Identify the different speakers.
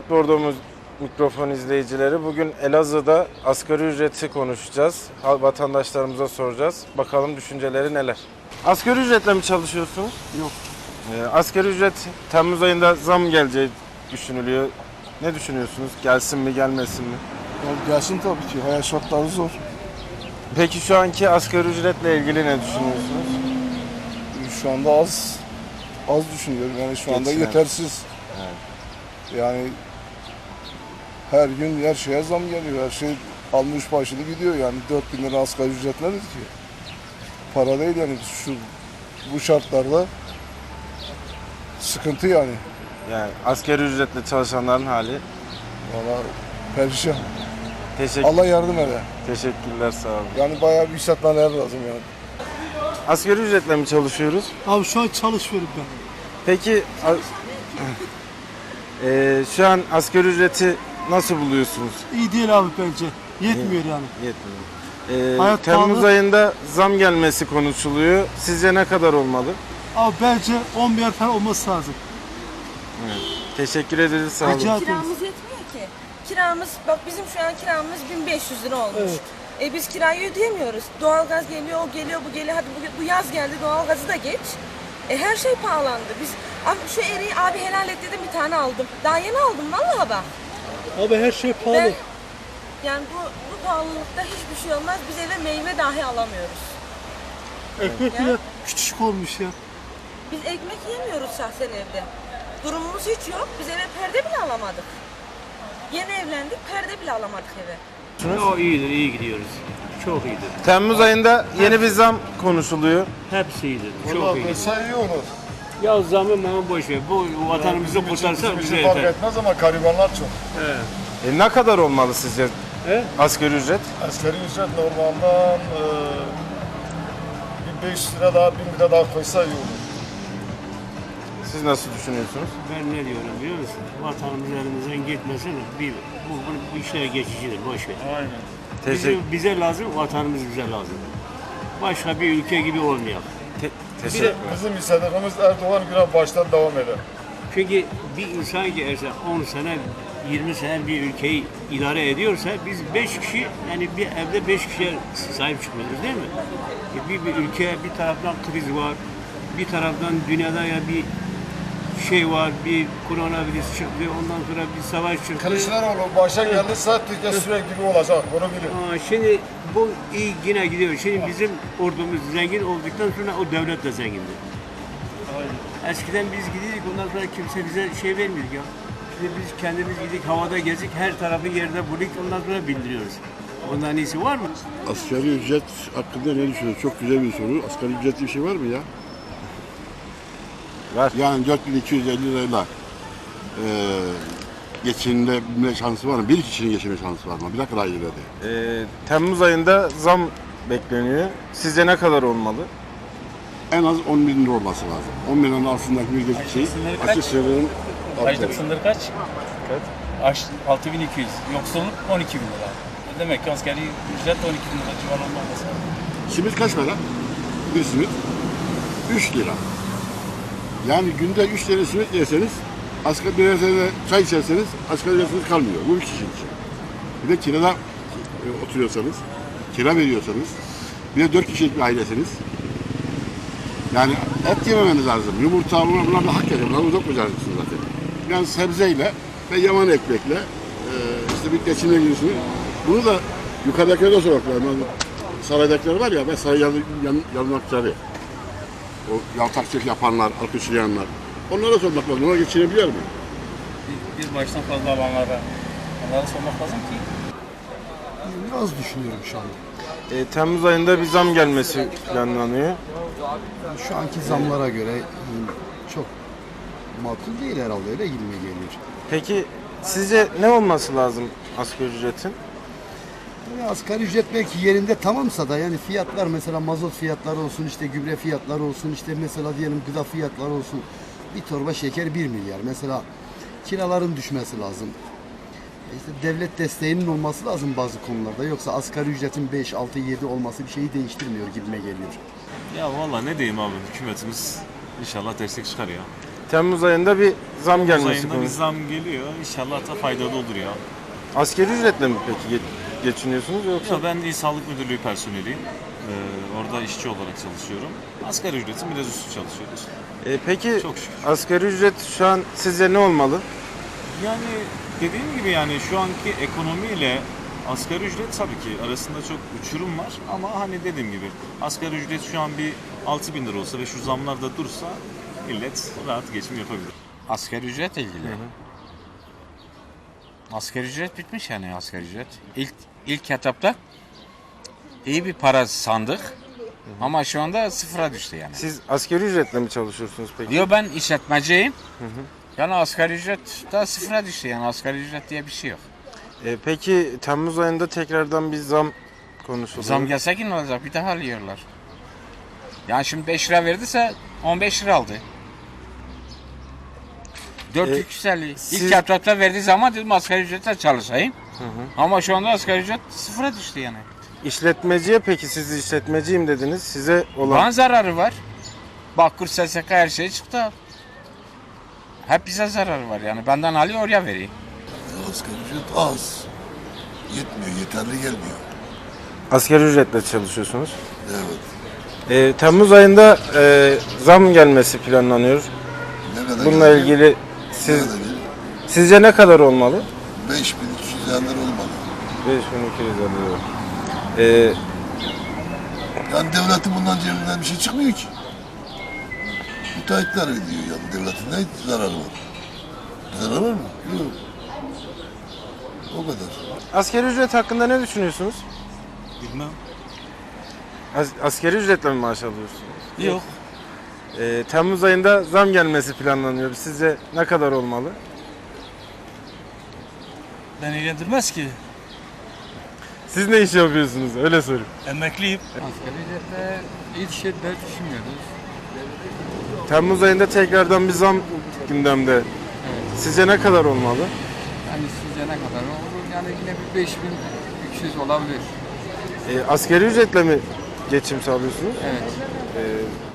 Speaker 1: Bordomuz mikrofon izleyicileri. Bugün Elazığ'da asgari ücreti konuşacağız. Vatandaşlarımıza soracağız. Bakalım düşünceleri neler? Asgari ücretle mi çalışıyorsunuz?
Speaker 2: Yok.
Speaker 1: Asgari ücret Temmuz ayında zam geleceği düşünülüyor. Ne düşünüyorsunuz? Gelsin mi, gelmesin mi?
Speaker 2: Ya gelsin tabii ki. Hayat şartları zor.
Speaker 1: Peki şu anki asgari ücretle ilgili ne düşünüyorsunuz?
Speaker 2: Şu anda az düşünüyorum. Yani şu anda
Speaker 1: Geçinen.
Speaker 2: yetersiz. Yani her gün her şeye zam geliyor. Her şey almış başını gidiyor. Yani 4.000 lira asgari ücret nedir ki? Para değil yani bu şartlarda sıkıntı yani.
Speaker 1: Yani asgari ücretle çalışanların hali.
Speaker 2: Valla perişan.
Speaker 1: Teşekkür,
Speaker 2: Allah yardım eder.
Speaker 1: teşekkürler, sağ olun.
Speaker 2: Yani bayağı bir işletmeler lazım yani.
Speaker 1: Asgari ücretle mi çalışıyoruz?
Speaker 3: Abi şu an çalışıyorum ben.
Speaker 1: Peki şu an asgari ücreti nasıl buluyorsunuz?
Speaker 3: İyi değil abi bence. Yetmiyor yani.
Speaker 1: Yetmiyor.
Speaker 3: Hayat
Speaker 1: Temmuz
Speaker 3: pahalı.
Speaker 1: ayında zam gelmesi konuşuluyor. Sizce ne kadar olmalı?
Speaker 3: Abi bence 10 milyar falan olması lazım.
Speaker 1: Teşekkür ederiz, sağ olun.
Speaker 3: Rica ederim.
Speaker 4: Kiramız yetmiyor ki. Kiramız, bak bizim şu an kiramız 1500 lira olmuş.
Speaker 3: Evet.
Speaker 4: Biz kirayı ödeyemiyoruz. Doğalgaz geliyor, o geliyor, bu geliyor. Hadi bu yaz geldi, doğalgazı da geç. Her şey pahalandı. Biz abi şu eriği abi helal et dedim, bir tane aldım. Daha yeni aldım vallahi bak.
Speaker 3: Abi her şey pahalı.
Speaker 4: Ben, yani bu pahalılıkta hiçbir şey olmaz. Biz eve meyve dahi alamıyoruz.
Speaker 3: Ekmek
Speaker 4: Ya.
Speaker 3: bile küçücük olmuş ya.
Speaker 4: Biz ekmek yemiyoruz şahsen evde. Durumumuz hiç yok. Biz eve perde bile alamadık. Yeni evlendik, perde bile alamadık eve.
Speaker 5: O iyidir, iyi gidiyoruz. Çok iyidir.
Speaker 1: Temmuz ayında yeni bir zam konuşuluyor.
Speaker 5: Hepsi iyidir. Çok
Speaker 2: Valla
Speaker 5: iyi.
Speaker 2: mesela iyi olur.
Speaker 5: Ya zamı mı boş ver. Bu vatanımızı kurtarsa bize
Speaker 2: fark
Speaker 5: yeter.
Speaker 2: etmez ama garibanlar çok.
Speaker 1: Ne kadar olmalı sizce
Speaker 5: He?
Speaker 1: asgari ücret?
Speaker 2: Asgari ücret normalden 1500 lira daha 1000 lira daha koysa iyi olur.
Speaker 1: Siz nasıl düşünüyorsunuz?
Speaker 5: Ben ne diyorum biliyor musun? Vatanımız elimizden gitmesin. Bu işler geçicidir. Boş ver.
Speaker 1: Teşekkür,
Speaker 5: Bize lazım, vatanımız bize lazım. Başka bir ülke gibi olmayalım.
Speaker 1: teşekkür.
Speaker 2: Bizim istediğimiz Erdoğan güne baştan devam eder.
Speaker 5: Çünkü bir insan ki eğer 10 sene, 20 sene bir ülkeyi idare ediyorsa biz 5 kişi, yani bir evde 5 kişiye sahip çıkmıyoruz değil mi? Bir ülke, bir taraftan kriz var, bir taraftan dünyada ya bir şey var, bir koronavirüs çıktı, ondan sonra bir savaş çıktı.
Speaker 2: Kılıçdaroğlu başa gelirse Türkiye sürekli gibi olacak, bunu bilin.
Speaker 5: Şimdi bu iyi yine gidiyor. Şimdi bizim ordumuz zengin olduktan sonra o devlet de zengindi. Eskiden biz gidiyorduk, ondan sonra kimse bize şey vermiyordu ya. Şimdi biz kendimiz gidik, havada gezdik, her tarafı yerde bulduk, ondan sonra bildiriyoruz. Ondan iyisi var mı?
Speaker 6: Asgari ücret hakkında ne düşünüyorsun? Çok güzel bir soru. Asgari ücretli bir şey var mı ya?
Speaker 1: Var.
Speaker 6: Yani 4250 lirayla geçinilebilme şansı var mı? Bir kişinin geçinme şansı var mı? Bir dakika daha ileride.
Speaker 1: Temmuz ayında zam bekleniyor. Sizce ne kadar olmalı?
Speaker 6: En az 10 bin lira olması lazım. 10 bin liranın altındaki bir şey. Açık sınırın
Speaker 7: Açlık sınırı kaç? Kaç? 6200. Yoksulluk 12 bin lira. Demek ki asgari ücret 12 bin lira civarında olması lazım.
Speaker 6: simit kaç para? Bir simit 3 lira. Yani günde 3 tane simit yerseniz, asgari bir tane çay içerseniz asgari ücretiniz kalmıyor. Bu bir kişi için. Bir de kirada oturuyorsanız, kira veriyorsanız, bir de 4 kişilik bir ailesiniz. Yani et yememeniz lazım. Yumurta, bunlar da hak ediyor. Bunları uzak koyacaksınız zaten. Yani sebzeyle ve yaman ekmekle işte bir geçinebilirsiniz. Bunu da yukarıdakileri de sormak lazım. Yani saraydakiler var ya, ve saray yanmakları. O yaltakçılık yapanlar, alkışlayanlar. Onlara sormak lazım. Ona geçinebiliyor mu?
Speaker 7: Bir baştan fazla alanlara onlara sormak lazım ki.
Speaker 2: Biraz düşünüyorum şu anda.
Speaker 1: Temmuz ayında bir zam gelmesi planlanıyor.
Speaker 8: Şu anki zamlara göre çok makul değil herhalde, öyle gibi geliyor.
Speaker 1: Peki sizce ne olması lazım asgari ücretin?
Speaker 8: Yani asgari ücret belki yerinde tamamsa da, yani fiyatlar mesela mazot fiyatları olsun, işte gübre fiyatları olsun, işte mesela diyelim gıda fiyatları olsun. Bir torba şeker 1 milyar. Mesela kiraların düşmesi lazım. İşte devlet desteğinin olması lazım bazı konularda. Yoksa asgari ücretin 5, 6, 7 olması bir şeyi değiştirmiyor gibime geliyor.
Speaker 9: Ya vallahi ne diyeyim abi, hükümetimiz inşallah destek çıkar ya.
Speaker 1: Temmuz ayında bir zam gelmesi
Speaker 9: Ayında bir
Speaker 1: konusu.
Speaker 9: zam geliyor. İnşallah da faydalı olur ya.
Speaker 1: Asgari ücretle mi peki geçiniyorsunuz yoksa?
Speaker 9: Ya ben İl Sağlık Müdürlüğü personeliyim. Orada işçi olarak çalışıyorum. Asgari ücretin biraz üstü çalışıyoruz.
Speaker 1: Peki
Speaker 9: Çok şükür.
Speaker 1: asgari ücret şu an sizce ne olmalı?
Speaker 9: Yani dediğim gibi yani şu anki ekonomiyle asgari ücret tabii ki arasında çok uçurum var. Ama hani dediğim gibi asgari ücret şu an bir 6.000 lira olsa ve şu zamlar da dursa millet rahat geçim yapabilir.
Speaker 10: Asgari ücret ilgili. Asgari ücret bitmiş yani asgari ücret. İlk etapta iyi bir para sandık. Ama şu anda sıfıra düştü yani.
Speaker 1: Siz asgari ücretle mi çalışıyorsunuz peki?
Speaker 10: Diyor ben işletmeciyim. Yani asgari ücret da sıfıra düştü yani asgari ücret diye bir şey yok.
Speaker 1: Peki Temmuz ayında tekrardan bir zam konuşuluyor.
Speaker 10: Zam gelse ki ne olacak? Bir daha alıyorlar. Yani şimdi 5 lira verdiyse 15 lira aldı. 450.
Speaker 1: siz-
Speaker 10: İlk etapta verdiği zaman dedim asgari ücretle çalışayım. Ama şu anda asgari ücret sıfıra düştü yani.
Speaker 1: İşletmeciye peki siz işletmeciyim dediniz. Size olan
Speaker 10: Bana zararı var. Bakır, SSK her şey çıktı. Hep bize zararı var yani. Benden alıyor oraya veriyor.
Speaker 2: Asgari ücret az. Yetmiyor, yeterli gelmiyor.
Speaker 1: asgari ücretle çalışıyorsunuz.
Speaker 2: Evet.
Speaker 1: Temmuz ayında zam gelmesi planlanıyor.
Speaker 2: Ne kadar
Speaker 1: Bununla
Speaker 2: gelir?
Speaker 1: ilgili
Speaker 2: Ne kadar gelir?
Speaker 1: sizce ne kadar olmalı?
Speaker 2: 5.250 lira olmalı.
Speaker 1: 5250 lira.
Speaker 2: Yani devletin bundan cebinden bir şey çıkmıyor ki. Müteahhitler ödüyor yani. Devletin ne zararı var? Zararı var mı? Yok. O kadar.
Speaker 1: Asgari ücret hakkında ne düşünüyorsunuz?
Speaker 9: Bilmem.
Speaker 1: Asgari ücretle mi maaş alıyorsunuz?
Speaker 9: Yok.
Speaker 1: Temmuz ayında zam gelmesi planlanıyor. Sizce ne kadar olmalı?
Speaker 3: Beni ilgilendirmez ki.
Speaker 1: Siz ne iş yapıyorsunuz? Öyle sorayım.
Speaker 3: Emekliyim.
Speaker 7: Asgari ücretle iyi şeyler düşünmüyoruz.
Speaker 1: Temmuz ayında tekrardan bir zam gündemde. Sizce ne kadar olmalı?
Speaker 7: Yani sizce ne kadar olur? Yani yine bir 5300 olabilir.
Speaker 1: Asgari ücretle mi geçim sağlıyorsunuz?
Speaker 7: Evet.